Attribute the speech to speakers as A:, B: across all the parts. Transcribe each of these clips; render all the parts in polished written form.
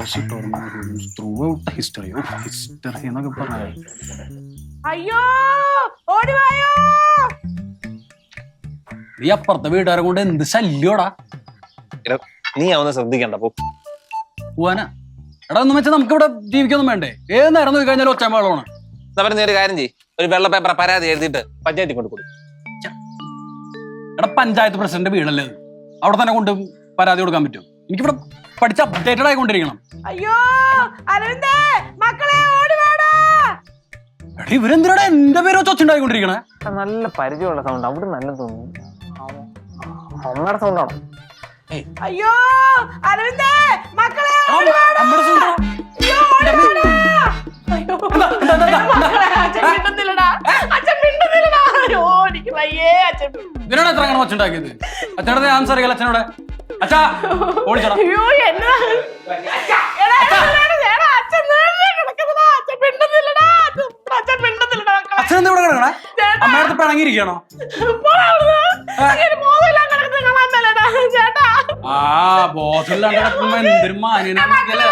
A: എന്നൊക്കെ പറയാ.
B: അയ്യോ ഓടിവായോ.
A: നീ അപ്പുറത്തെ വീട്ടുകാരെ കൊണ്ട് എന്ത് ശല്യോടാ.
C: നീ അവന്ന് ശ്രദ്ധിക്കണ്ട
A: പോവാനാ. എടാ ഒന്നും വെച്ചാൽ നമുക്ക് ഇവിടെ ജീവിക്കൊന്നും വേണ്ടേ? ഏത് നേരം നോക്കി കഴിഞ്ഞാൽ ഒച്ചമേളമാണ്.
C: നീ ഒരു കാര്യം ചെയ്യ്, ഒരു വെള്ള പേപ്പർ പരാതി എഴുതിയിട്ട് പഞ്ചായത്തിൽ കൊണ്ട് കൊടുക്കും.
A: എടാ പഞ്ചായത്ത് പ്രസിഡന്റ് വീടല്ലേ അത്, അവിടെ തന്നെ കൊണ്ട് പരാതി കൊടുക്കാൻ പറ്റും? എനിക്കിവിടെ പഠിച്ച് അപ്ഡേറ്റഡ് ആയിക്കൊണ്ടിരിക്കണം.
B: അയ്യോ അരവിന്ദേ മക്കളെ ഓടിവാടാ.
A: എടാ ഇവരെന്തിനാടാ എന്റെ പേര് വെച്ച് ഒച്ചുണ്ടായിക്കൊണ്ടിരിക്കണേ?
C: നല്ല പരിചയമുള്ള സൗണ്ട് അവിടെ നല്ല തോന്നുന്നു. അമ്മയുടെ സൗണ്ടാണോ?
B: അയ്യോ അരവിന്ദേ മക്കളെ ഓടിവാടാ. അയ്യോ ഓടിവാടാ. അയ്യോ അച്ഛൻ മിണ്ടുന്നില്ലടാ, അച്ഛൻ മിണ്ടുന്നില്ലടാ. അയ്യോ എനിക്ക് വയ്യേ അച്ഛൻ.
A: ഇതിനാണ് എത്ര അങ്ങനെ ഒച്ചുണ്ടാക്കിയത്? അച്ഛനോട് ആൻസർ അറിയാലോ. അച്ഛനോട് അച്ഛാ ഓടിച്ചോടാ.
B: അയ്യോ എന്നാ
A: അച്ഛനെന്താ ഇവിടെ കിടക്കണേ? അമ്മയുടെ പിണങ്ങിയിരിക്കണോ? ആ ബോസില്ലാണ്ട് കിടക്കുമ്പോ എന്തൊരു മാന്യനാണല്ലേ.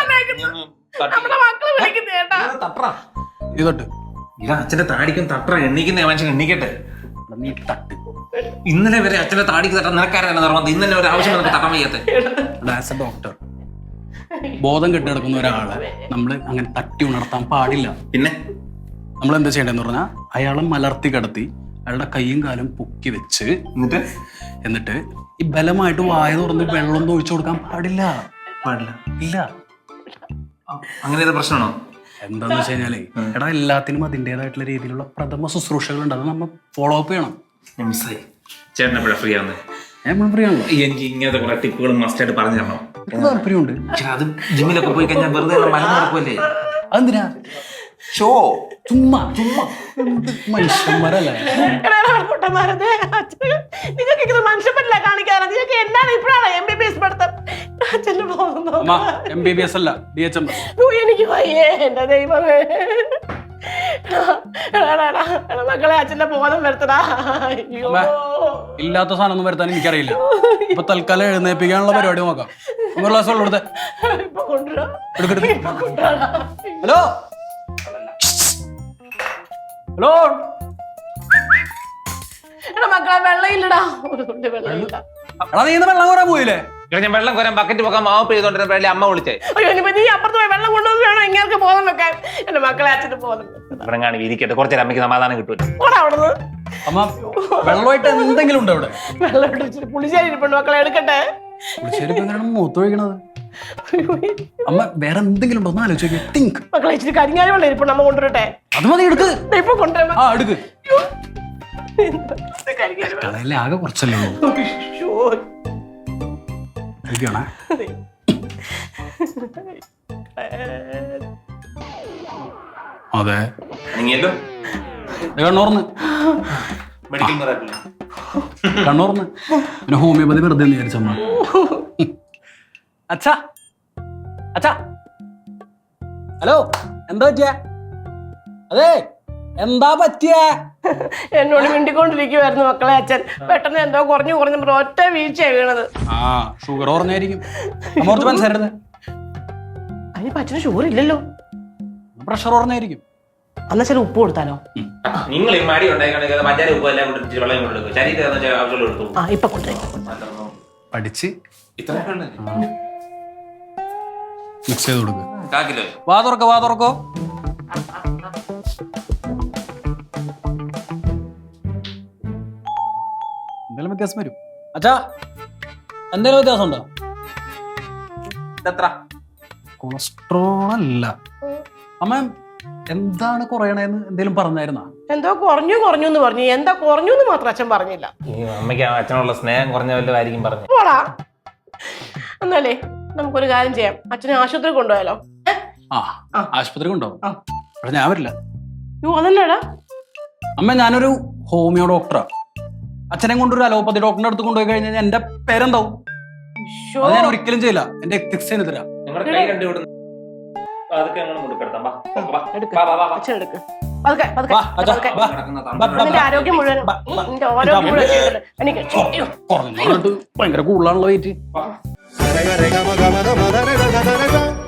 A: ഇതൊട്ട്
C: അച്ഛന്റെ താടിക്കും തട്ട എണ്ണിക്കുന്ന മനുഷ്യൻ എണ്ണിക്കട്ടെ.
A: നീ തട്ട്.
C: ഇന്നലെ വരെ അച്ഛന്റെ താടിക്ക് തട്ട നിനക്കാരാണ് നിർബന്ധം. ഇന്നലെ ഒരു ആവശ്യം നമുക്ക് തട്ടാൻ വയ്യാത്തെ.
A: ആസ് എ ഡോക്ടർ ബോധം കെട്ടി കിടക്കുന്ന ഒരാളെ നമ്മള് അങ്ങനെ തട്ടി ഉണർത്താൻ പാടില്ല.
C: പിന്നെ
A: നമ്മൾ എന്താ ചെയ്യേണ്ടതെന്ന് പറഞ്ഞാൽ അയാളെ മലർത്തി കിടത്തി അയാളുടെ കൈയും കാലും പൊക്കി വെച്ച് എന്നിട്ട് ഈ ബലമായിട്ട് വായ തുറന്ന് വെള്ളം ഒഴിച്ചു കൊടുക്കാൻ പാടില്ല. ഇല്ല.
C: അങ്ങനെ പ്രശ്നമാണോ?
A: എന്താന്ന് വെച്ച് കഴിഞ്ഞാലേ എടാ എല്ലാത്തിനും അതിൻ്റെതായിട്ടുള്ള രീതിയിലുള്ള പ്രഥമ ശുശ്രൂഷകൾ ഉണ്ട്. അത് നമ്മൾ ഫോളോ അപ്പ് ചെയ്യണം.
C: ചേട്ടൻ എപ്പോഴാ ഫ്രീ ആവുന്നത്?
A: ഞാൻ ഫ്രീ ആണല്ലോ.
C: എനിക്ക് ഇങ്ങനത്തെ കുറെ ടിപ്പുകൾ മസ്റ്റായിട്ട് പറഞ്ഞു തരണം.
A: താല്പര്യമുണ്ട്.
C: അത് ജിമ്മിലൊക്കെ പോയി കഴിഞ്ഞാൽ വെറുതെ മലന്ന് നടക്കുമല്ലേ?
A: അതെന്തിനാ?
C: ഷോ
A: ചുമ്മാ മനുഷ്യന്മാരല്ലേ
B: നിങ്ങൾക്ക് മനുഷ്യൻ പറ്റില്ല കാണിക്കാറ്. നിങ്ങൾക്ക് എന്താണ് ഇപ്പോഴാണ് MBBS പഠിത്തം? അച്ഛന് പോകുന്നു.
A: MBBS അല്ല DHMS.
B: എനിക്ക് വയ്യേ എന്റെ ദൈവമേ. മക്കളെ അച്ഛന്റെ ബോധം വരുത്തടാ.
A: ഇല്ലാത്ത സാധനം ഒന്നും വരുത്താൻ എനിക്കറിയില്ല. ഇപ്പൊ തൽക്കാലം എഴുന്നേപ്പിക്കാനുള്ള പരിപാടി നോക്കാം. ഹലോ ഹലോ
B: എടാ മക്കളെ വെള്ളം ഇല്ലടാ. വെള്ളമില്ല.
A: എടാ നീ വെള്ളം കോരാൻ പോയില്ലേ?
C: ഞാൻ വെള്ളം കോരാൻ ബക്കറ്റ് പോകാൻ മാവ് പെയ്തോണ്ടിരുന്നപ്പോഴല്ലേ അമ്മ വിളിച്ചേ.
B: അയ്യോ ഇനിയിപ്പോ നീ അപ്പുറത്ത് പോയി വെള്ളം കൊണ്ടുവന്ന് വേണം ഇങ്ങനെ ബോധം വെക്കാൻ. എന്റെ മക്കളെ അച്ഛന് ബോധം
C: ഇവിടെ കാണി ഇരിക്കട്ടെ. കുറച്ചേരം അമ്മയ്ക്ക് സമാധാനം കിട്ടും.
B: അവിടുന്ന്
A: അമ്മ വെള്ളമായിട്ട് എന്തെങ്കിലും ഉണ്ടോ ഇവിടെ?
B: വെള്ളം പുളിശ്ശേരി ഇരിപ്പുണ്ട് മക്കളെ എടുക്കട്ടെ.
A: പുളിശ്ശേരി മൂത്തൊഴിക്കണത്. അമ്മ വേറെ എന്തെങ്കിലും ഉണ്ടോ? ആലോചിച്ച് തിങ്ക്.
B: മക്കളെ ഇച്ചിരി കരിങ്ങാലി വെള്ളം ഇരിപ്പുണ്ട്. അമ്മ കൊണ്ടുവരട്ടെ?
A: അത് മതി, എടുക്ക്.
B: ഇപ്പൊ കൊണ്ടുവരാം.
A: ആ എടുക്ക്. ആകെ കുറച്ചല്ലേ അതെ കണ്ണൂർന്ന് കണ്ണൂർന്ന് പിന്നെ ഹോമിയോപ്പതി വെറുതെ വിചാരിച്ചമ്മ. അച്ഛാ അച്ഛാ ഹലോ എന്താ പറ്റിയ? അതെ എന്താ പറ്റിയ?
B: എന്നോട് മിണ്ടിക്കൊണ്ടിരിക്കുവായിരുന്നു മക്കളെ അച്ഛൻ. പെട്ടെന്ന് എന്തോ കുറഞ്ഞു ഒറ്റ വീഴ്ചയാണ് വീണത്.
A: ആ ഷുഗർ കുറഞ്ഞായിരിക്കും. മനസ്സിലായിരുന്നത്
B: അതിന് അച്ഛന് ഷുഗർ ഇല്ലല്ലോ.
A: പ്രഷർ കുറഞ്ഞായിരിക്കും.
B: അന്നാ ചില ഉപ്പ് കൊടുത്താലോ?
C: നിങ്ങൾ ഈ മടി
B: ഇപ്പൊ കൊണ്ടേ
A: പഠിച്ച് മിക്സ് ചെയ്ത് കൊടുക്കുക. വാ തുറക്കോ. എന്തെങ്കിലും വ്യത്യാസം വരും. അച്ഛാ എന്തെങ്കിലും വ്യത്യാസം ഉണ്ടോ? കൊളസ്ട്രോൾ അല്ല അമ്മ. എന്താണ് കുറയണേന്ന് എന്തേലും പറഞ്ഞായിരുന്നാ?
B: എന്തോ കുറഞ്ഞു എന്ന് പറഞ്ഞു. എന്താ കുറഞ്ഞു എന്ന് മാത്രം അച്ഛൻ പറഞ്ഞില്ല.
C: അമ്മയ്ക്ക് അച്ഛനുള്ള സ്നേഹം കുറഞ്ഞ വല്ലതായിരിക്കും പറഞ്ഞു.
B: പോടാ. എന്നാലേ നമുക്കൊരു കാര്യം ചെയ്യാം. അച്ഛനെ ആശുപത്രി കൊണ്ടുപോയാലോ?
A: ആശുപത്രി കൊണ്ടുപോകും. പക്ഷെ ഞാൻ വരില്ല.
B: അതല്ലേടാ
A: അമ്മ. ഞാനൊരു ഹോമിയോ ഡോക്ടറാ. അച്ഛനെ കൊണ്ടൊരു അലോപ്പതി ഡോക്ടറിന്റെ അടുത്ത് കൊണ്ടുപോയി കഴിഞ്ഞാൽ എന്റെ പേരെന്താവും? അത് ഞാൻ ഒരിക്കലും ചെയ്യില്ല. എന്റെ എത്തിക്സിന് തരാം.
B: ആരോഗ്യം മുഴുവൻ
A: ഭയങ്കര കൂടുതലാണല്ലോ വെയിറ്റ്.